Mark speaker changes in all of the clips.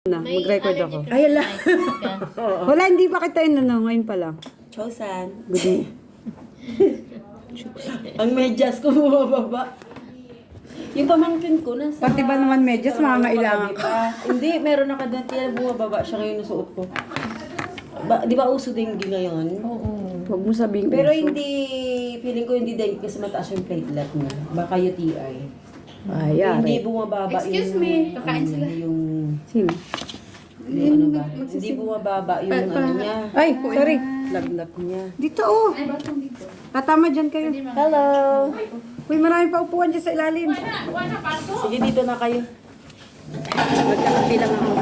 Speaker 1: Na, mag-record ako.
Speaker 2: Ay, ala.
Speaker 1: Wala, hindi pa kita yun, ngayon pa lang.
Speaker 2: Chosan.
Speaker 1: Good.
Speaker 2: Ang medyas ko bumababa. Yung pamangkin ko nasa...
Speaker 1: Pati ba naman medyas, mangangailangan ka?
Speaker 2: Hindi, meron na kadati na bumababa siya ngayon nasuot ko. Di ba uso dengue ngayon? Oo.
Speaker 1: Huwag mo sabihin
Speaker 2: Pero
Speaker 1: uso.
Speaker 2: hindi, feeling ko hindi dengue kasi mataas yung platelet niya. Baka UTI.
Speaker 1: Ay,
Speaker 2: Hindi
Speaker 1: yari.
Speaker 2: bumababa
Speaker 3: Excuse me, kakain sila.
Speaker 2: Yung
Speaker 1: Sino?
Speaker 2: ano ba? Hindi bumababa yung ano niya.
Speaker 1: Ay, sorry.
Speaker 2: Lagnat niya.
Speaker 1: Dito, oh. Tatama dyan kayo.
Speaker 2: Hello!
Speaker 1: Uy, marami pa upuan dyan sa ilalim.
Speaker 2: Sige, dito na kayo.
Speaker 1: Magkakapi lang ako.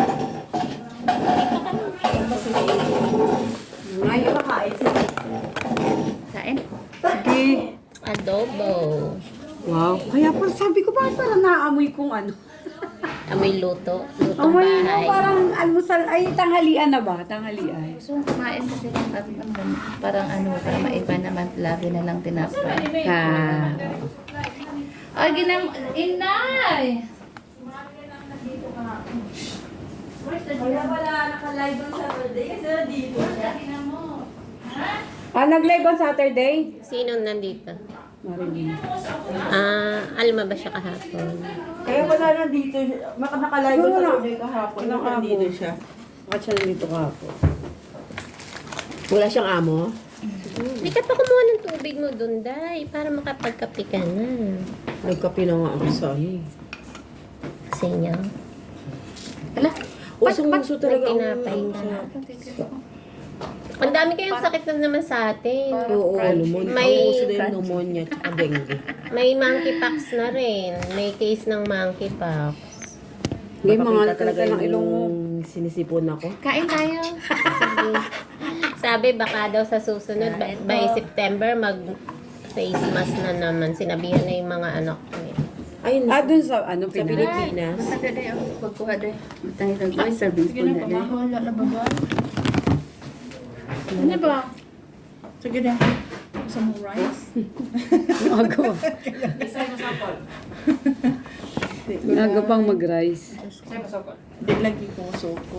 Speaker 1: Ngayon ka kain.
Speaker 3: Kain?
Speaker 1: Sige.
Speaker 3: Adobo.
Speaker 1: Wow. Kaya pa sabi ko, bakit parang naamoy kong ano?
Speaker 3: Amoy luto. Lutong
Speaker 1: Amoy mo
Speaker 3: bahay.
Speaker 1: parang almusal. Ay, tanghalian na ba? Tanghalian.
Speaker 3: Gusto kong kumain kasi parang ano, para maiba naman. Lagi na lang tinapay.
Speaker 1: Ha.
Speaker 3: Ay, inay!
Speaker 2: Kaya wala naka-live on Saturday kasi dito.
Speaker 1: Ah, nag-live on Saturday?
Speaker 4: Sino nandito?
Speaker 1: Marilyn.
Speaker 4: Alma ba siya kahapon?
Speaker 2: Kaya wala na dito. Naka-live on Saturday kahapon.
Speaker 1: Walang
Speaker 2: Nandito
Speaker 1: amo.
Speaker 2: siya.
Speaker 1: Bakit siya nandito kahapon?
Speaker 2: Wala siyang amo?
Speaker 4: Hindi ka pa kumuha ng tubig mo dun, Day, para makapagkape ka na.
Speaker 2: Nagkape na nga ako sa eh.
Speaker 4: Kasi niya.
Speaker 3: Ala,
Speaker 2: Usong-uso talaga ang
Speaker 4: tinapay
Speaker 2: ano
Speaker 4: ka?
Speaker 2: sa...
Speaker 4: Ang dami kayong sakit na naman sa atin.
Speaker 2: Oo, pneumonia.
Speaker 4: May-
Speaker 2: Ang uso din yung pneumonia at dengue.
Speaker 4: May monkeypox na rin. May case ng monkeypox.
Speaker 1: Hindi, mga
Speaker 2: Mapakita
Speaker 1: talaga
Speaker 2: talaga
Speaker 1: ng ilong mo.
Speaker 2: yung sinisipon ako.
Speaker 3: kain tayo.
Speaker 4: Sige. Sabi baka daw sa susunod, by September, mag-face mask na naman. Sinabihan na yung mga anak ko.
Speaker 2: Ay,
Speaker 1: Ah, dun sa ano,
Speaker 2: sa
Speaker 1: Pinas?
Speaker 2: Pilipinas.
Speaker 3: Mataga day ako. Pagkuha day.
Speaker 1: Tayo nag-ay, service po na din.
Speaker 3: Wala na ba? Ano ba?
Speaker 5: Sige na. Gusto mo rice?
Speaker 1: Aga. Aga pang mag-rice.
Speaker 5: Hindi lagi ko soko.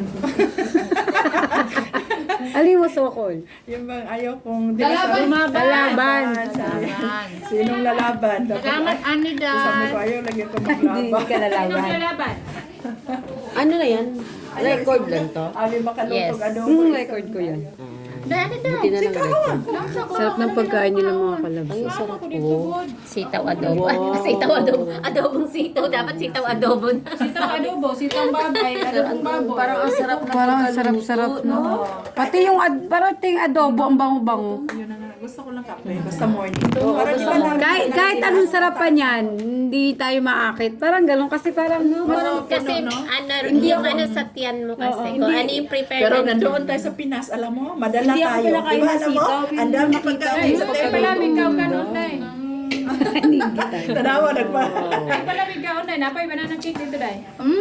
Speaker 1: Alin mo sokol?
Speaker 5: Yung bang ayaw kong...
Speaker 1: Lalaban.
Speaker 5: Sinong lalaban?
Speaker 3: Salamat, Anida.
Speaker 5: Sabi ko ayaw lagi ko
Speaker 1: Hindi
Speaker 5: maglaban.
Speaker 1: ka lalaban.
Speaker 2: Ano na yan? Record lang to?
Speaker 5: Ali makalutog
Speaker 4: Yes.
Speaker 5: adobo.
Speaker 1: Record ko yan.
Speaker 2: Buti na lang record.
Speaker 1: Sarap ng pagkain nila mga kalabs.
Speaker 2: Ay, sarap po.
Speaker 4: Sitaw adobo.
Speaker 2: Wow.
Speaker 4: Sitaw adobo. Adobong sitaw. Dapat sitaw adobo na.
Speaker 5: Sitaw adobo, sitaw babay, adobong baboy.
Speaker 2: Parang ang sarap na
Speaker 1: Parang sarap-sarap, no? Pati yung adobo, ang bango-bango.
Speaker 5: Yun na nga. Gusto ko lang kape. Basta morning. Parang iba lang.
Speaker 1: Kahit anong sarapan yan, hindi tayo maakit. Parang galon kasi parang...
Speaker 4: Kasi yung ano sa tiyan mo kasi. Kung ano yung prepared.
Speaker 5: Pero nandoon tayo sa Pinas, alam mo, madala
Speaker 1: Hindi ako
Speaker 5: tayo.
Speaker 1: pinakain
Speaker 5: Diba,
Speaker 1: ng
Speaker 5: alam mo?
Speaker 1: sitaw,
Speaker 5: Ang dami pagkain sa table.
Speaker 3: ikaw ganun na eh.
Speaker 5: Tanawa, nagpa.
Speaker 3: Palamig ka na. Napay banana cake dito day.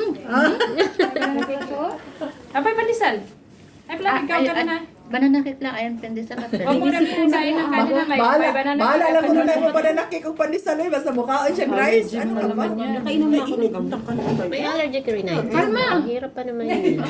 Speaker 3: Napay pandesal. Ay, palamig ka na. Banana cake lang. Ayan, pandesal ka.
Speaker 5: Bahala lang kung ano mo pa na nakik kung pandesal eh. Basta mukhaon siyang rice. Ano ka ba?
Speaker 2: Nakainom na ako ng gamot.
Speaker 4: May allergic rhinitis. Ang hirap pa naman yun.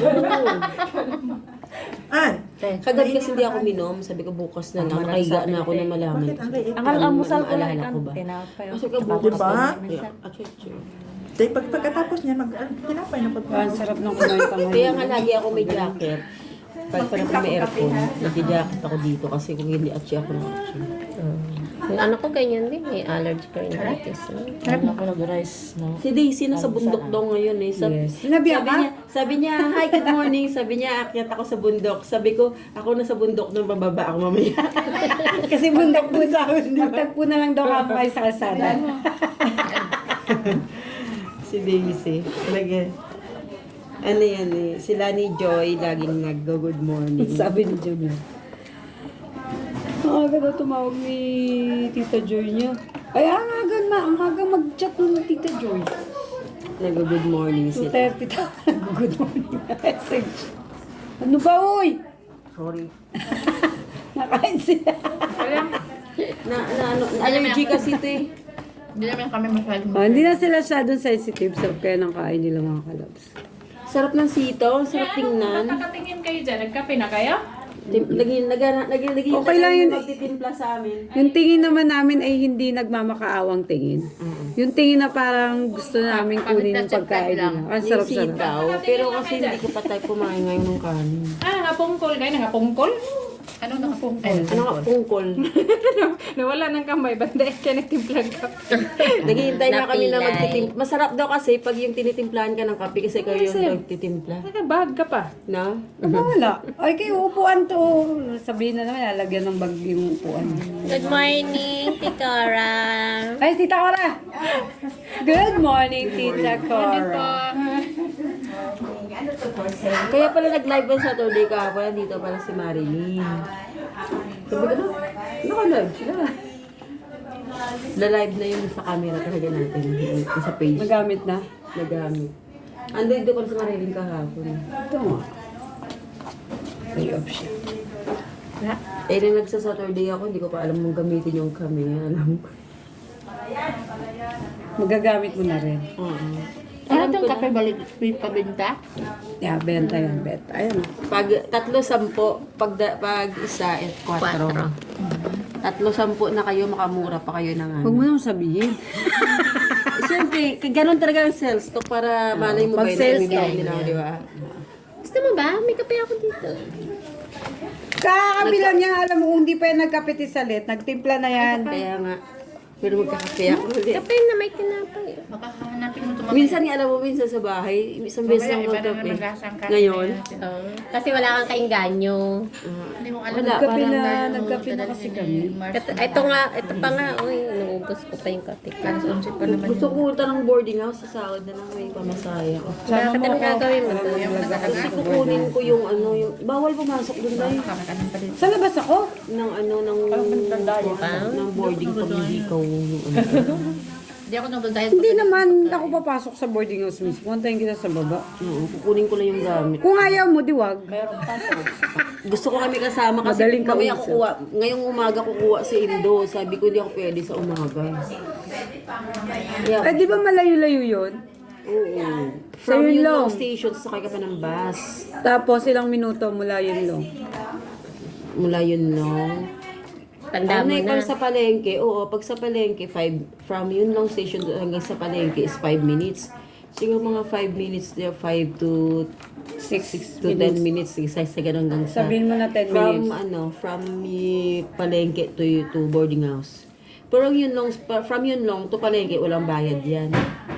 Speaker 5: An?
Speaker 2: Kagabi kasi hindi ako minom. Sabi ko bukas na lang. Nakahiga na ako na malaman.
Speaker 5: Ang
Speaker 2: almusal ko lang ko ba? Kasi ka bukas
Speaker 5: Diba?
Speaker 2: na.
Speaker 5: Pagkatapos niya, tinapay na
Speaker 1: Ang sarap ng kumain tanghali.
Speaker 2: Kaya nga lagi ako may jacket. Kahit pa naman may aircon, nag-jacket ako dito kasi kung hindi atsi ako ng atsi.
Speaker 4: Yung anak ko ganyan din. May allergic rhinitis.
Speaker 2: Si Daisy nasa bundok daw ngayon eh.
Speaker 1: Yes. Sinabihan ka?
Speaker 2: Sabi niya, hi, good morning. Sabi niya, akyat ako sa bundok. Sabi ko, ako nasa bundok nung bababa ako mamaya.
Speaker 1: Kasi bundok po sa amin. Magtagpo na lang daw kami kayo sa kalsada.
Speaker 2: Si Daisy. Talaga. Ano yan eh. Sila ni Joy, laging nag-good morning.
Speaker 1: Sabi ni Joy niya. Ang aga daw tumawag ni Tita Joy niya. Ay, ang aga mag-chat nun ni Tita Joy.
Speaker 2: Nag-good morning sila.
Speaker 1: 2:30 daw. Good morning message. Ano ba, uy?
Speaker 2: Sorry.
Speaker 1: Nakain sila.
Speaker 2: Allergy kasi ito eh.
Speaker 3: Hindi naman kami masyadong
Speaker 1: Hindi na sila sensitive sa kaya ng kain nila mga kalabs.
Speaker 2: Sarap ng sito, sarap tingnan.
Speaker 3: Nakakatingin kayo dyan. Nagkape na kayo?
Speaker 2: Naging
Speaker 1: Okay lang yun.
Speaker 2: magtitimpla sa amin.
Speaker 1: Yung tingin naman namin ay hindi nagmamakaawang tingin. Yung tingin na parang gusto namin kunin yung pagkain nila. Ang
Speaker 2: Yung
Speaker 1: sarap-sarap.
Speaker 2: sitaw. Pero kasi hindi ko pa tayo kumain ngayon ng kanin.
Speaker 3: Nangapungkol kayo? Nangapungkol? Ano nangapungkol?
Speaker 2: Ano nga, pungkol.
Speaker 3: Nawala ng kamay. Banda siya nagtimplag ka.
Speaker 2: Naghihintay na kami na
Speaker 4: Napilay.
Speaker 2: magtitimpla. Masarap daw kasi pag yung tinitimplahan ka ng kape kasi ikaw yung nagtitimpla.
Speaker 3: Nagabag ka pa.
Speaker 2: No?
Speaker 1: Wala. Ay, kayo upuan to. Sabihin na naman, lalagyan ng bag yung upuan.
Speaker 4: Good morning, Tikara.
Speaker 1: Ay, Tita Cora! Good morning, Tita Cora.
Speaker 2: Kaya pala nag-live on Saturday kahapon, dito pala si Marilyn. Sabi ko na, naka-live sila. Na-live na yun sa camera talaga natin, yung sa page.
Speaker 1: Magamit na.
Speaker 2: Nagamit. Ando dito pala si Marilyn kahapon.
Speaker 1: Ito nga. Ay, option.
Speaker 2: Eh, nung nagsa-Saturday ako, hindi ko pa alam mong gamitin yung camera. Alam ko.
Speaker 1: Magagamit mo na rin.
Speaker 2: Oo.
Speaker 3: Ano itong kape balik pabinta?
Speaker 1: Yeah, benta yan, benta. Ayan.
Speaker 2: Pag 3-10, pag isa, 4. 3-10 na kayo, makamura pa kayo ng ano.
Speaker 1: Huwag mo naman sabihin.
Speaker 2: Siyempre, ganun talaga ang sales stock para malay mo
Speaker 1: Pag
Speaker 2: kayo
Speaker 1: sales
Speaker 2: na
Speaker 1: ka.
Speaker 2: nila, di ba?
Speaker 4: Gusto mo ba? May kape ako dito.
Speaker 1: Kakabilang niya, alam mo, kung hindi pa yan nagkapiti sa lit, nagtimpla na yan.
Speaker 2: Kaya nga, pero magkakape ako ulit.
Speaker 4: Kape na may tinapay.
Speaker 3: Makahanapin mo ito.
Speaker 2: Minsan nga, alam mo, minsan sa bahay, isang beses lang magkape. Ngayon,
Speaker 4: Kasi wala kang kainganyo.
Speaker 3: Hindi mo alam.
Speaker 2: wala,
Speaker 1: Nagkape
Speaker 2: parang
Speaker 1: na, nagkape na kasi kami.
Speaker 4: Ito pa nga, uy, naubos ko pa yung kape.
Speaker 3: Alas 11 pa naman.
Speaker 2: gusto ko punta ng boarding house, sa sahod na lang may pamasaya ko.
Speaker 1: Sama
Speaker 4: Bakit
Speaker 1: mo
Speaker 4: ang
Speaker 1: ako.
Speaker 4: gagawin mo doon?
Speaker 2: Kasi kukunin ko yung ano, yung, bawal pumasok dun tayo.
Speaker 3: Kakakanin pa din.
Speaker 1: Sa labas ako?
Speaker 2: Ng ano, ng boarding pag hindi ko yung ano.
Speaker 3: Hindi ako nandun dahil
Speaker 1: Hindi naman ako papasok sa boarding house mismo. Antayin kita sa baba.
Speaker 2: Oo, kukunin ko lang yung gamit.
Speaker 1: Kung ayaw mo, diwag.
Speaker 2: Gusto ko kami kasama kasi
Speaker 1: Madaling
Speaker 2: mamaya
Speaker 1: kausap.
Speaker 2: kukuha. Ngayong umaga kukuha si Indo. Sabi ko hindi ako pwede sa umaga. Yeah.
Speaker 1: Eh, di ba malayo-layo yun?
Speaker 2: Oo.
Speaker 1: So,
Speaker 2: From
Speaker 1: yun
Speaker 2: yung
Speaker 1: lang.
Speaker 2: long station, sakay ka pa ng bus.
Speaker 1: Tapos ilang minuto mula yun lang.
Speaker 2: Mula yun, no?
Speaker 4: Tanda mo na.
Speaker 2: Pag sa palengke, oo, pag sa palengke, from yun long station hanggang sa palengke is 5 minutes. Siguro mga 5 minutes there, 5 to 6 to 10 minutes. Isa sa ganun hanggang sa...
Speaker 1: Sabihin mo na 10
Speaker 2: From
Speaker 1: minutes.
Speaker 2: from palengke to boarding house. Pero from yun long to palengke, walang bayad yan.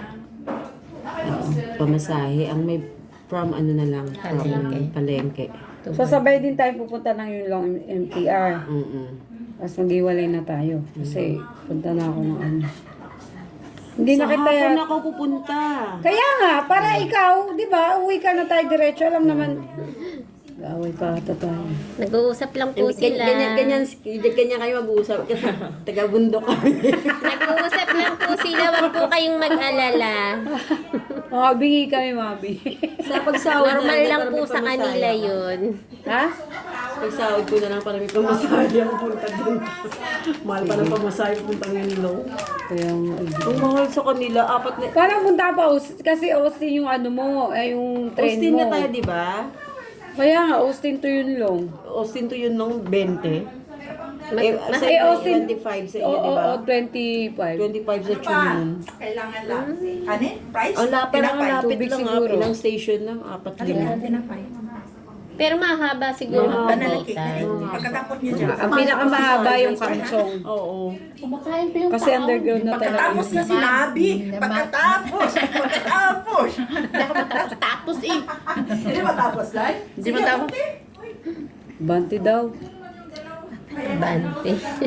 Speaker 2: Pamasahe. Ang may from ano na lang, from palengke.
Speaker 1: So sabay din tayo pupunta ng yun lang MTR. Tapos maghiwalay na tayo. Kasi punta na ako ng ano. Hindi na
Speaker 2: Sa
Speaker 1: kita
Speaker 2: hapon ako pupunta.
Speaker 1: Kaya nga, para ikaw, di ba, uwi ka na tayo diretso. Alam naman, gaway pa ata tayo.
Speaker 4: Nag-uusap lang po sila.
Speaker 2: Ganyan kayo mag-uusap kasi taga-bundok kami.
Speaker 4: Nag-uusap lang po sila. Huwag po kayong mag-alala.
Speaker 1: Mabingi kami, mabingi.
Speaker 2: Sa pagsahod
Speaker 4: Normal
Speaker 2: na
Speaker 4: lang
Speaker 2: para
Speaker 4: po
Speaker 2: may
Speaker 4: sa kanila
Speaker 2: pamasaya ako.
Speaker 4: yun.
Speaker 1: Ha?
Speaker 2: Pagsahod ko na lang para may pamasaya ang punta dun. Mahal pa ng pamasaya punta ng Nilo.
Speaker 1: Kaya nga.
Speaker 2: Ang mahal sa kanila, 4 na...
Speaker 1: Parang punta pa, kasi Austin yung ano mo, yung train
Speaker 2: Austin
Speaker 1: mo.
Speaker 2: na tayo, di ba?
Speaker 1: Kaya nga, Austin to yun long.
Speaker 2: Austin to yun nung 20. Sa
Speaker 1: Eh, Austin,
Speaker 2: 25 sa inyo,
Speaker 1: Oo,
Speaker 2: di ba?
Speaker 1: 25.
Speaker 2: 25 sa Chunin.
Speaker 5: Kailangan lang. Ano? Price?
Speaker 2: Ang lapit lang,
Speaker 5: Tinapay.
Speaker 2: lapit
Speaker 1: Tubig
Speaker 2: lang.
Speaker 1: siguro.
Speaker 2: Ilang station lang, 4 din.
Speaker 5: Tinapay.
Speaker 4: Pero mahaba siguro ang
Speaker 5: Panalaki.
Speaker 4: pagitan.
Speaker 5: Pagkatapos niya dyan.
Speaker 1: Ang pinakamahaba yung kamsong.
Speaker 2: Oo.
Speaker 3: Kumakain pa yung
Speaker 1: Kasi underground na talaga.
Speaker 5: Pagkatapos na sinabi. Pagkatapos. Pagkatapos.
Speaker 3: tapos eh.
Speaker 5: Hindi matapos, Lai?
Speaker 3: Hindi mo tapos.
Speaker 1: Banti daw.
Speaker 4: Bante.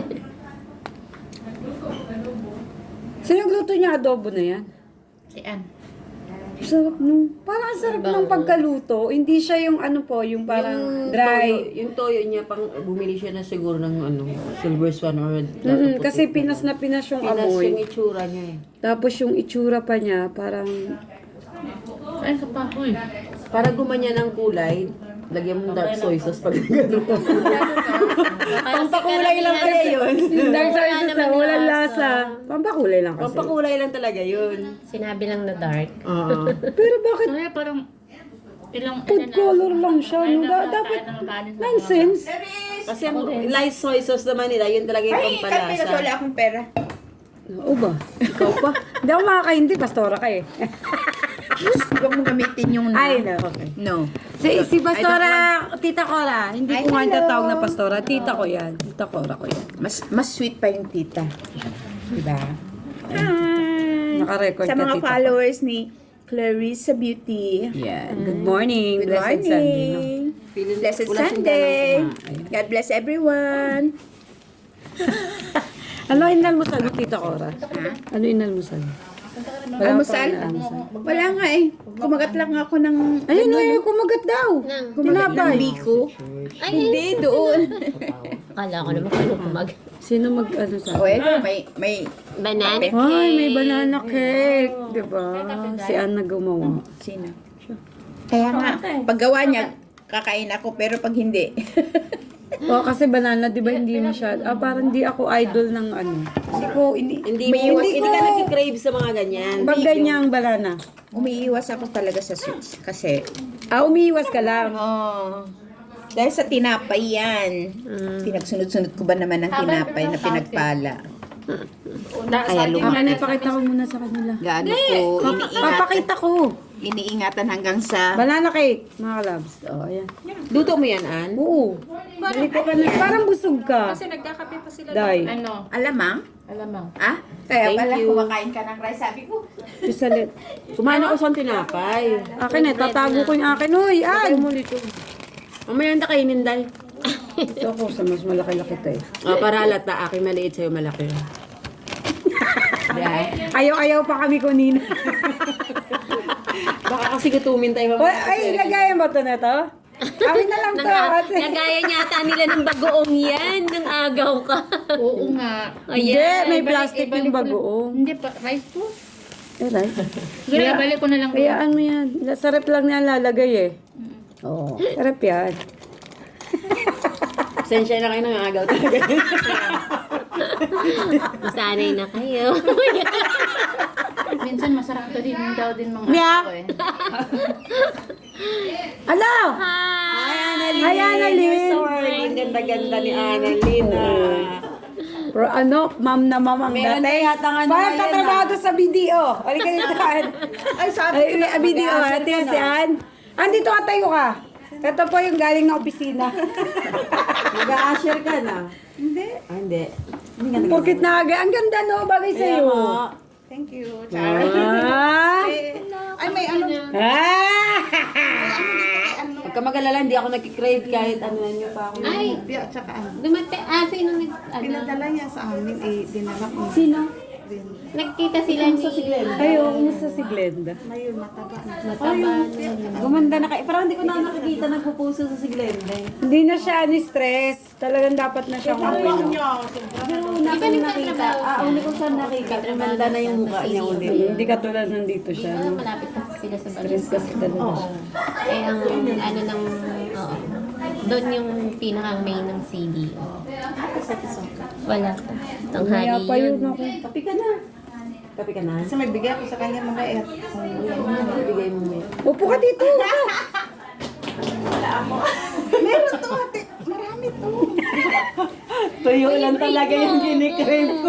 Speaker 1: So yung luto niya, adobo na yan.
Speaker 3: Si Ann.
Speaker 1: Sarap nung, parang ang sarap ng pagkaluto. Hindi siya yung ano po, yung parang dry.
Speaker 2: Yung toyo niya, pang bumili siya na siguro ng ano, silver swan or
Speaker 1: Kasi pinas na pinas yung
Speaker 2: Pinas
Speaker 1: amoy.
Speaker 2: yung itsura niya eh.
Speaker 1: Tapos yung itsura pa niya, parang
Speaker 3: Kain ka pa. Uy.
Speaker 2: Para gumanya ng kulay, lagyan mo dark soy sauce pag gano'n. Pampakulay lang kaya yun.
Speaker 1: dark soy
Speaker 4: Wala
Speaker 1: sauce
Speaker 4: naman
Speaker 1: na walang
Speaker 4: lasa.
Speaker 1: lasa. Pampakulay lang kasi.
Speaker 2: Pampakulay lang talaga yun.
Speaker 4: Sinabi lang na dark.
Speaker 2: Oo.
Speaker 1: Pero bakit?
Speaker 3: Kaya parang
Speaker 1: Food color lang siya, no? Dapat, nonsense.
Speaker 2: Kasi ang light soy sauce naman nila, yun talaga yung
Speaker 5: Ay, kahit may
Speaker 2: pampalasa.
Speaker 5: wala akong pera.
Speaker 1: Oo ba? Ikaw pa? Hindi ako makakaindi, pastora ka eh.
Speaker 5: Huwag mong gamitin yung
Speaker 1: Ay, no, okay.
Speaker 5: No.
Speaker 1: Si Pastora, Tita Cora, hindi
Speaker 5: Ay,
Speaker 1: ko nga
Speaker 5: hello.
Speaker 1: tatawag na Pastora, Tita ko yan. Tita Cora ko yan.
Speaker 5: Mas sweet pa yung tita. Diba? Hi!
Speaker 1: Naka-record
Speaker 5: Sa
Speaker 1: ka,
Speaker 5: mga
Speaker 1: Tita.
Speaker 5: followers ni Clarissa Beauty.
Speaker 1: Yeah. Good morning.
Speaker 5: Good
Speaker 1: Blessed Sunday. No?
Speaker 5: morning.
Speaker 2: Feeling-
Speaker 5: Blessed
Speaker 2: wala siyang
Speaker 5: Sunday.
Speaker 2: ganang kumain.
Speaker 5: God bless everyone.
Speaker 1: Ano inalmusal mo, Tita Cora? Ano inalmusal mo? Wala
Speaker 5: Almusal?
Speaker 1: pa inalmusal.
Speaker 5: Wala nga eh. Kumagat lang ako ng...
Speaker 1: Ayun na yun, kumagat daw.
Speaker 4: Nang-
Speaker 5: Ng
Speaker 1: Tinapay.
Speaker 5: biko.
Speaker 4: Ay,
Speaker 5: Hindi, doon.
Speaker 4: akala ko naman kung ano kumag.
Speaker 1: Sino ano sa...
Speaker 5: O, may
Speaker 4: Banana
Speaker 1: Ay, may banana cake. Diba? Si Anna gumawa.
Speaker 5: Sino? Kaya nga, paggawa niya, kakain ako, pero pag hindi.
Speaker 1: O, kasi banana, di ba, hindi masyad. Parang di ako idol ng ano. Hindi ko,
Speaker 2: Hindi
Speaker 5: May
Speaker 2: mo,
Speaker 5: iwas
Speaker 2: hindi ka nag-crave sa mga ganyan.
Speaker 1: pag ganyang banana.
Speaker 5: Umiiwas ako talaga sa sweets. Kasi,
Speaker 1: Umiiwas ka lang.
Speaker 5: dahil sa tinapay yan. Pinagsunod-sunod ko ba naman ng tinapay na pinagpala? Kaya
Speaker 1: Akin, ipakita ko muna sa kanila.
Speaker 5: gaano ko
Speaker 1: Papakita ko.
Speaker 5: iniingatan hanggang sa...
Speaker 1: Banana cake, mga labs. O, ayan.
Speaker 2: Luto mo yan, Ann?
Speaker 1: Oo. Dali ko ka na. Parang busog ka.
Speaker 3: Kasi nagkakape pa sila.
Speaker 1: Day.
Speaker 3: Ano?
Speaker 5: Alamang?
Speaker 3: Alamang.
Speaker 5: Ah? Kaya
Speaker 2: Thank
Speaker 5: pala
Speaker 2: you.
Speaker 5: kumakain ka ng rice. Sabi ko,
Speaker 1: Pisalit.
Speaker 2: Kumain ako sa tinapay.
Speaker 1: Akin eh, tatago ko yung akin. Uy,
Speaker 2: Ayaw
Speaker 1: An!
Speaker 2: mo nito. Mamaya na kainin, Day.
Speaker 1: Ito ko sa mas malaki-laki to eh.
Speaker 2: Para halata, akin maliit sa'yo malaki.
Speaker 1: Ayaw-ayaw pa kami kunina.
Speaker 2: Baka kasi gutumin tayo.
Speaker 1: Ay, lagayan ba ito na to? Amin na lang to. Kasi...
Speaker 4: Nagaya niya ata nila ng bagoong yan, ng agaw ka.
Speaker 3: Oo nga.
Speaker 1: Hindi,
Speaker 4: Ayan.
Speaker 1: may plastic yung bagoong.
Speaker 3: Hindi pa, rice po.
Speaker 1: Eh, right?
Speaker 3: Sige, balik ko na lang.
Speaker 1: Kayaan mo yan. Sarap lang niya lalagay eh. Oo. Sarap yan.
Speaker 2: Sensya na kayo ng agaw talaga.
Speaker 4: Masanay na kayo.
Speaker 3: Minsan masarap to din daw din mga
Speaker 1: Yeah.
Speaker 3: tao eh.
Speaker 1: Ano?
Speaker 2: Hi, Annalyn!
Speaker 1: Hi, Annalyn!
Speaker 2: Ang ganda-ganda ni Annalyn.
Speaker 1: Pero ano, ma'am na ma'am ang
Speaker 2: Meron
Speaker 1: dating.
Speaker 2: na yata nga
Speaker 1: Parang
Speaker 2: naman yan,
Speaker 1: tatrabaho doon sa BDO. Halika dito, An.
Speaker 5: ay sabi
Speaker 1: Ay, BDO, ate si An. Andito ka, tayo ka. Ito po yung galing na opisina.
Speaker 2: Mag-a-usher ka na.
Speaker 5: Hindi.
Speaker 2: Hindi.
Speaker 1: Pukit na aga. Ang ganda no, bagay sa'yo.
Speaker 5: Thank you.
Speaker 1: Ah!
Speaker 5: Ay, may ano.
Speaker 1: Ah!
Speaker 2: Huwag ka mag-alala, hindi ako nag-crave kahit ano na nyo pa ako.
Speaker 4: Ay,
Speaker 5: At saka ano.
Speaker 4: dumate, sino nag, ano,
Speaker 5: Pinadala niya sa amin, eh, dinala ko.
Speaker 1: Sino?
Speaker 4: nagkita sila ni,
Speaker 1: Ay, oo, kumusta si Glenda?
Speaker 5: Ngayon, mataba na.
Speaker 4: mataba.
Speaker 2: Gumanda na kayo. Parang hindi ko na nakikita nagpupuso sa si Glenda.
Speaker 1: Hindi na siya ni-stress. Talagang dapat na siya kumino.
Speaker 2: Pero una kong nakita, uli ko siya nakita, gumanda na yung mukha niya ulit.
Speaker 1: Hindi katulad nandito siya.
Speaker 4: Ah,
Speaker 1: No?
Speaker 4: malapit kasi sila sa
Speaker 1: Stress
Speaker 4: Balusan.
Speaker 1: kasi talaga siya.
Speaker 4: Eh, ang ano ng, oo. Doon yung pinakang main ng CD. Wala pa. Tanghali
Speaker 1: Kaya pa yun
Speaker 4: yun.
Speaker 1: ako.
Speaker 2: Kapi ka na. Kapi ka na?
Speaker 5: Kasi may bigay ako sa kanya mga
Speaker 2: Ibigay mo mo.
Speaker 1: Upo ka dito.
Speaker 5: Meron to, ate. Marami to.
Speaker 2: Tuyo lang talaga yung ginikrave ko.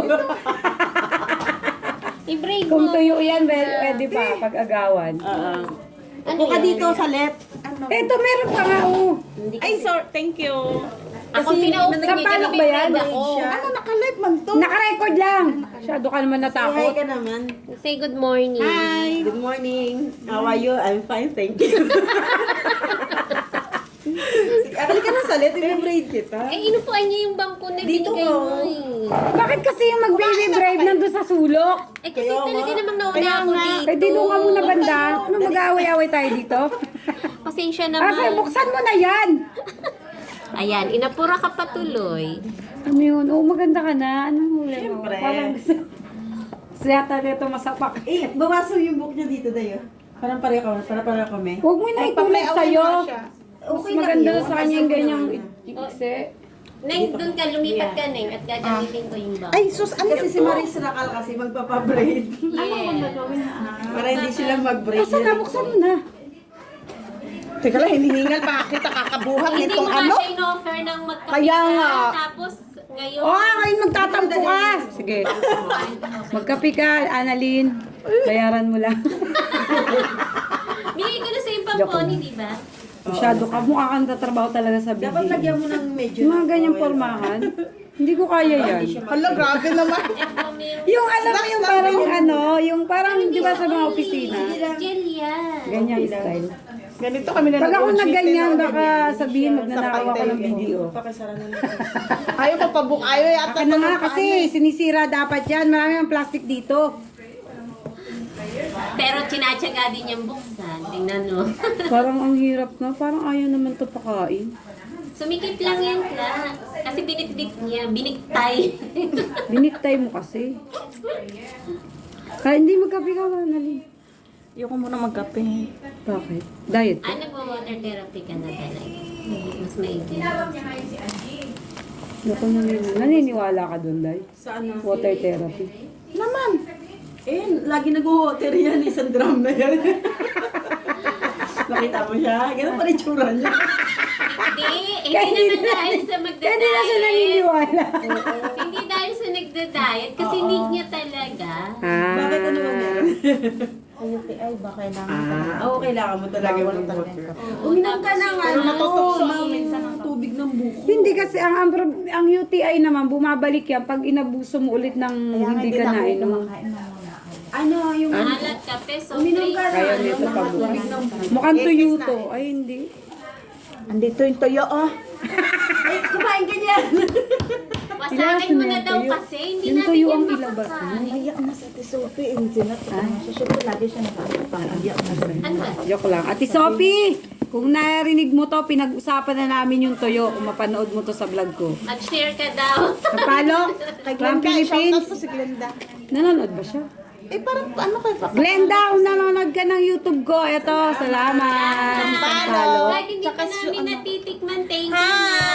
Speaker 4: I-break
Speaker 1: Kung
Speaker 4: mo.
Speaker 1: tuyo yan, pwede pa pag-agawan.
Speaker 2: Upo ka dito sa left.
Speaker 1: Eto, meron pa nga, oh.
Speaker 5: Ay, sorry. Thank you.
Speaker 4: Ako pinaupo niya.
Speaker 1: Sampalok ba yan?
Speaker 4: Ako.
Speaker 5: Ano, naka-live man to.
Speaker 1: Naka-record lang. Masyado ka naman
Speaker 2: Hi
Speaker 1: natakot.
Speaker 2: ka naman.
Speaker 4: Say good morning.
Speaker 5: Hi.
Speaker 2: Good morning. How are you? I'm fine, thank you. Akali ka na sa left, i-braid kita.
Speaker 4: Eh, inupuan niya yung bangko na
Speaker 2: Dito
Speaker 4: binigay
Speaker 2: ko.
Speaker 4: mo eh.
Speaker 1: Bakit kasi yung mag-baby brave nandun sa sulok?
Speaker 4: Eh, kasi
Speaker 2: Kaya
Speaker 4: talaga
Speaker 2: nga.
Speaker 4: namang nauna
Speaker 2: Kaya
Speaker 4: ako
Speaker 2: nga.
Speaker 4: dito.
Speaker 1: Pwede doon ka muna banda. Ano mag-aaway-aaway tayo dito?
Speaker 4: Pasensya
Speaker 1: Asa,
Speaker 4: naman.
Speaker 1: buksan mo na yan.
Speaker 4: Ayan, inapura ka pa tuloy.
Speaker 1: Ano yun? Oo, maganda ka na. Anong huli mo?
Speaker 2: Siyempre.
Speaker 1: Parang gusto yata dito masapak.
Speaker 2: Eh, bawaso yung book niya dito, Dayo. Parang pareho kami.
Speaker 1: Huwag mo na itulad sa'yo. Mas
Speaker 2: Okay lang
Speaker 1: maganda
Speaker 2: yun.
Speaker 1: sa kanya yung ganyang
Speaker 2: Kasi
Speaker 1: ikse.
Speaker 4: Neng, doon ka, lumipat ka, Neng, at gagamitin ko yung bangko.
Speaker 5: Ay, sus, ano
Speaker 2: si Maris Rakal kasi magpapabraid.
Speaker 4: Yes.
Speaker 2: Para hindi sila mag-braid.
Speaker 1: Basta na, buksan mo na.
Speaker 5: Teka lang, hinihingal pa kita kakabuhat
Speaker 4: Hindi
Speaker 5: nitong
Speaker 4: mo nga
Speaker 5: ano.
Speaker 4: siya in-offer ng magkape
Speaker 5: Kaya nga.
Speaker 4: tapos ngayon.
Speaker 1: Ngayon magtatampo ka. Sige. Magkape ka, Annalyn. Bayaran mo lang.
Speaker 4: Binigay ko na sa yung
Speaker 1: Joke
Speaker 4: pamponi,
Speaker 1: lang.
Speaker 4: di ba?
Speaker 1: Masyado ka. Mukha kang tatrabaho talaga sa BDO.
Speaker 6: Dapat lagyan mo ng medyo.
Speaker 1: Yung mga ganyang pormahan, hindi ko kaya yan.
Speaker 5: Hala, grabe naman.
Speaker 1: Yung alam mo yung parang ano, yung parang di ba sa mga opisina,
Speaker 4: Gel yan.
Speaker 1: ganyang style.
Speaker 5: Ganito kami na
Speaker 1: Pag ako
Speaker 5: nag-cheat,
Speaker 1: nagganyan,
Speaker 5: eh, no?
Speaker 1: baka sabihin magnanakaw ako ng BDO.
Speaker 6: Pakisara na lang.
Speaker 5: Ayaw pa pabuk, ayaw yata.
Speaker 1: Akin na nga kasi sinisira dapat yan. Marami ang plastic dito.
Speaker 4: Pero tinatsaga din yung buksan. Tingnan mo.
Speaker 1: Parang ang hirap na. Parang ayaw naman to pakain.
Speaker 4: Sumikip lang yan ka. Kasi binitbit niya. Biniktay.
Speaker 1: Biniktay mo kasi. Kaya hindi magkape ka, Annalyn.
Speaker 6: Ayoko muna magkape.
Speaker 1: Bakit? Diet ka?
Speaker 4: Ano ba water therapy ka na talaga? Mas maigi.
Speaker 1: Naku, naniniwala ka doon, Day?
Speaker 6: Saan na?
Speaker 1: Water therapy.
Speaker 6: Naman. Eh, lagi nag-water yan. Isang drum na yan. Nakita mo siya? Ganun pa rin tsura niya.
Speaker 4: Hindi naman dahil sa
Speaker 1: Kaya hindi na siya
Speaker 4: magda-diet.
Speaker 1: naniniwala.
Speaker 4: Hindi dahil sa nagda-diet. Kasi need niya talaga.
Speaker 6: Bakit ano ba meron?
Speaker 3: UTI ba kailangan
Speaker 6: Oo, kailangan mo talaga mag-water.
Speaker 4: Uminom ka na
Speaker 6: Pero natutok siya ng tubig ng buko.
Speaker 1: Hindi kasi ang UTI naman, bumabalik yan pag inabuso mo ulit ng hindi ka nainom.
Speaker 6: Ano, yung
Speaker 4: Alat kape, so
Speaker 6: uminom ka na.
Speaker 1: Kaya nito pag mukhang tuyo to. Ay, hindi.
Speaker 5: Andito yung toyo, oh.
Speaker 6: Ay, kumain ka niyan.
Speaker 4: Wasagin mo na daw kasi. Hindi
Speaker 1: Yung
Speaker 4: natin
Speaker 1: tuyo
Speaker 4: yan
Speaker 1: ang ilabas mo.
Speaker 4: makakain.
Speaker 3: Iyak na sa Tisopi. Susunod lagi siya nakakapang-iyak na sa
Speaker 4: Ano ba?
Speaker 1: Joke lang. Ate Sophie, kung narinig mo to, pinag-usapan na namin yung tuyo. Kung mapanood mo to sa vlog ko.
Speaker 4: Mag-share ka daw.
Speaker 1: Kapalo? From Philippines?
Speaker 5: Shoutout po si Glenda.
Speaker 1: Nanonood ba siya?
Speaker 5: Eh, parang ano kayo pa?
Speaker 1: Glenda, kung nanonood ka ng YouTube ko, eto, salamat. Follow.
Speaker 4: Kahit hindi pa namin natitikman. Thank you na.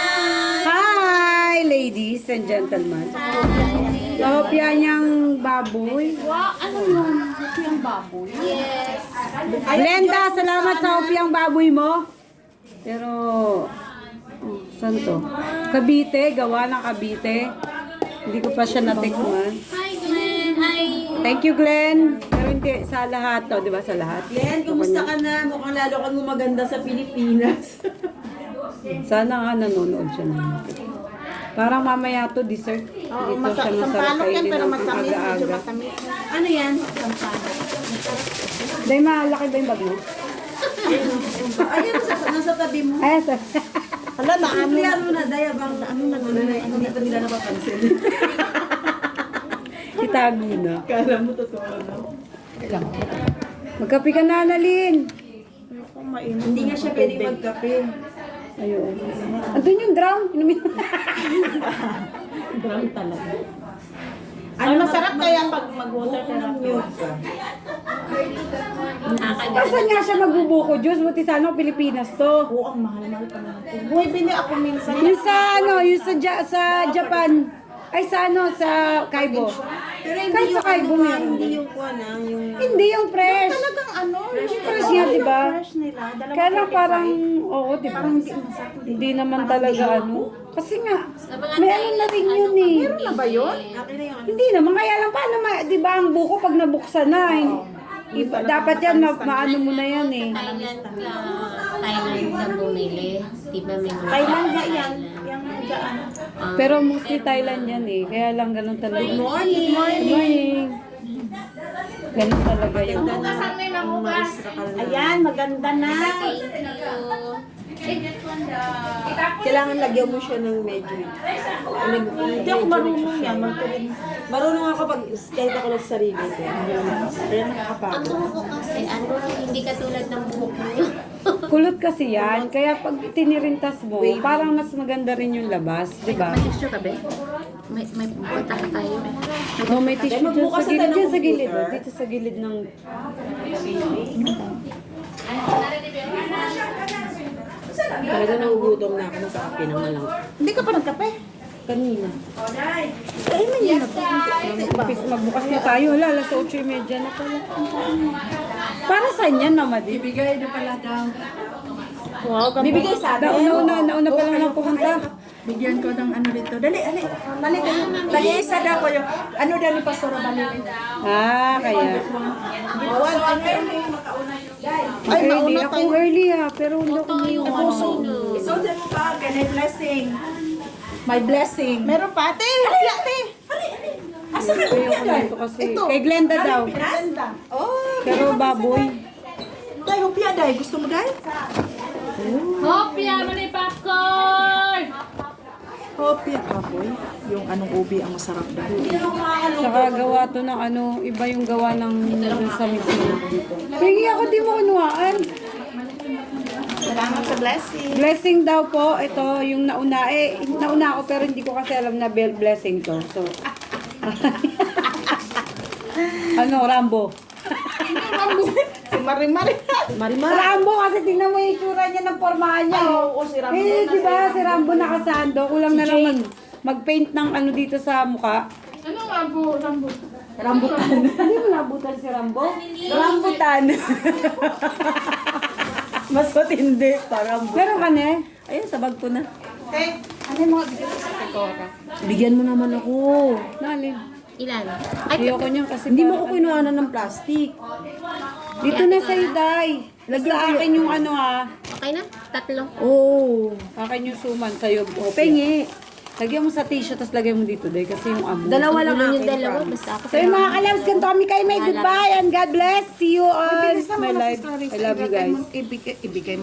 Speaker 1: Hi, ladies and gentlemen. Sopia niyang baboy.
Speaker 3: Wow, ano yun? Ito yung baboy.
Speaker 4: Yes.
Speaker 1: Glenda, salamat sa opiang baboy mo. Pero, saan to? Cavite, gawa ng Cavite. Hindi ko pa siya natikman.
Speaker 4: Hi, Glenn. Hi.
Speaker 1: Thank you, Glenn. Pero hindi sa lahat to, di ba sa lahat?
Speaker 6: Len, kumusta ka na? Mukhang lalo kang gumaganda sa Pilipinas.
Speaker 1: Sana nga nanonood siya naman. Parang mamaya to dessert. Dito siya masarap
Speaker 5: Sampalok yan,
Speaker 1: kainin
Speaker 5: pero
Speaker 1: ng
Speaker 5: matamis. Medyo
Speaker 1: aga-aga.
Speaker 5: matamis.
Speaker 6: Ano yan?
Speaker 1: Dahil malaki ba yung bag mo?
Speaker 6: Ayun, nasa tabi mo.
Speaker 1: Ay, sa...
Speaker 5: Hala, na ano.
Speaker 6: Kaya mo na, Daya, bang hindi pa nila napapansin.
Speaker 1: Itago na.
Speaker 6: Kala mo totoo na.
Speaker 1: Magkape ka na, Annalyn.
Speaker 6: Hindi nga siya pwede magkape.
Speaker 1: Ayun. Andun yung drum. Inumin.
Speaker 6: Brown talaga.
Speaker 5: Ano masarap kaya pag mag-water
Speaker 6: Unang
Speaker 5: therapy?
Speaker 6: milk ka.
Speaker 1: Asan nga siya magbubuko, Diyos? Buti sana Pilipinas to.
Speaker 5: Oo, ang mahal-mahal pa naman. Buhay, bini ako minsan.
Speaker 1: Yung sa ano, yung sa Japan. Ay, sa ano, sa Kaibo.
Speaker 6: Pero hindi
Speaker 1: Kahit
Speaker 6: yung
Speaker 1: sa Kaibo
Speaker 6: ano,
Speaker 1: meron.
Speaker 6: hindi yung kuwan yung...
Speaker 1: Hindi yung fresh.
Speaker 5: Talagang ano,
Speaker 1: Yung fresh niya, di ba?
Speaker 5: fresh nila. Dalawa
Speaker 1: Kaya lang parang, oo, di ba?
Speaker 5: Parang hindi masarap.
Speaker 1: Hindi naman talaga ano. Kasi nga,
Speaker 4: Sa mga
Speaker 1: may ano na rin yun eh.
Speaker 5: Meron na ba yun?
Speaker 6: Akin na yung ano.
Speaker 1: Hindi naman, kaya lang paano, di ba ang buko pag nabuksan na eh. Iba, dapat yan, maano mo na yan eh.
Speaker 4: Thailand ka bumili. Di ba may mga
Speaker 5: Thailand nga yan. Yung dyan.
Speaker 1: Pero mostly Thailand yan eh. Kaya lang ganun talaga.
Speaker 6: Good morning!
Speaker 1: Good morning. Ganun talaga yun.
Speaker 5: Ayan, maganda na.
Speaker 6: Kailangan lagyan mo siya ng medyo.
Speaker 5: Hindi ako marunong yan. Magtuloy.
Speaker 6: Marunong ako pag kahit ako lang sa sarili ko. Kaya nakakapagod.
Speaker 4: Ang buhok ko kasi, hindi katulad ng buhok niyo.
Speaker 1: Kulot kasi yan. Kaya pag tinirintas mo, parang mas maganda rin yung labas. Di ba?
Speaker 3: May tissue ka ba? May punta ka tayo.
Speaker 1: No, may tissue dyan
Speaker 6: magbukas
Speaker 1: sa
Speaker 6: na
Speaker 1: gilid.
Speaker 6: tayo
Speaker 1: Dyan
Speaker 6: ng
Speaker 1: sa gilid.
Speaker 6: computer.
Speaker 1: Dito sa gilid ng...
Speaker 6: Talaga nagugutom na ako sa kape ng malang.
Speaker 5: Hindi ka pa nagkape?
Speaker 1: Kanina. Umpis magbukas na tayo. Hala, alas 8:30 na pala. Para saan yan, Mama Di?
Speaker 6: Ibigay na pala daw.
Speaker 4: Wow, ganda.
Speaker 5: Bibigay sa atin.
Speaker 1: Nauna pa lang ng pumunta.
Speaker 5: Bigyan ko ng ano dito. Dali. Balik ka. Tag-iisa daw ko yung, ano daw ni Pastor Balili.
Speaker 1: Ah, kaya.
Speaker 5: Bawal, ang early.
Speaker 1: Ay, early. Ako early ha, pero hindi ako
Speaker 5: So, dyan mo ba? Ganay blessing. My blessing. Meron pa, ate. Ate. Asa ka
Speaker 1: ito kasi. Kay Glenda daw.
Speaker 5: Oh,
Speaker 1: Pero baboy.
Speaker 5: day, hupya, day. Gusto mo, day?
Speaker 3: Hopia, mali popcorn!
Speaker 5: Hopya, kapoy. Yung anong ubi ang masarap daw.
Speaker 1: Saka gawa to ng ano, iba yung gawa ng sa mismo. Hingi ako di mo kunuhaan.
Speaker 5: Salamat sa blessing.
Speaker 1: Blessing daw po, ito yung nauna. Nauna ako pero hindi ko kasi alam na blessing to. So, ano, Rambo.
Speaker 5: Si Marimari.
Speaker 1: Rambo kasi tingnan mo yung itsura niya ng pormahan niya.
Speaker 5: Oo, si Rambo.
Speaker 1: Di ba si Rambo nakasando? Kulang na lang mag-paint ng ano dito sa mukha.
Speaker 3: Anong rambo?
Speaker 1: Rambutan. Hindi mo nabutan si Rambo? Rambutan. Mas matindi pa, Rambo. Meron ka na eh. Ayun, sa bag ko na. Ano yung mga bigyan sa Tekora?
Speaker 2: Bigyan mo naman ako.
Speaker 1: Nalin.
Speaker 4: Ilan? Ay,
Speaker 1: Ayoko niyan kasi
Speaker 2: Hindi mo
Speaker 1: parang
Speaker 2: ko kinuhanan ng plastic.
Speaker 1: Dito na sa Day. Sa akin yung ano ha.
Speaker 4: okay na? Tatlo.
Speaker 2: Oo.
Speaker 1: Akin yung suman sa'yo.
Speaker 2: Pengi.
Speaker 1: Lagyan mo sa tissue, tapos lagyan mo dito, Day. Kasi yung abo.
Speaker 2: Dalawa lang
Speaker 4: Yung
Speaker 2: akin.
Speaker 4: dalawa, basta ako.
Speaker 1: So yung mga kalabs, ganito kami kayo. May goodbye and God bless. See you on my life. I love you guys.
Speaker 5: Ibigay mo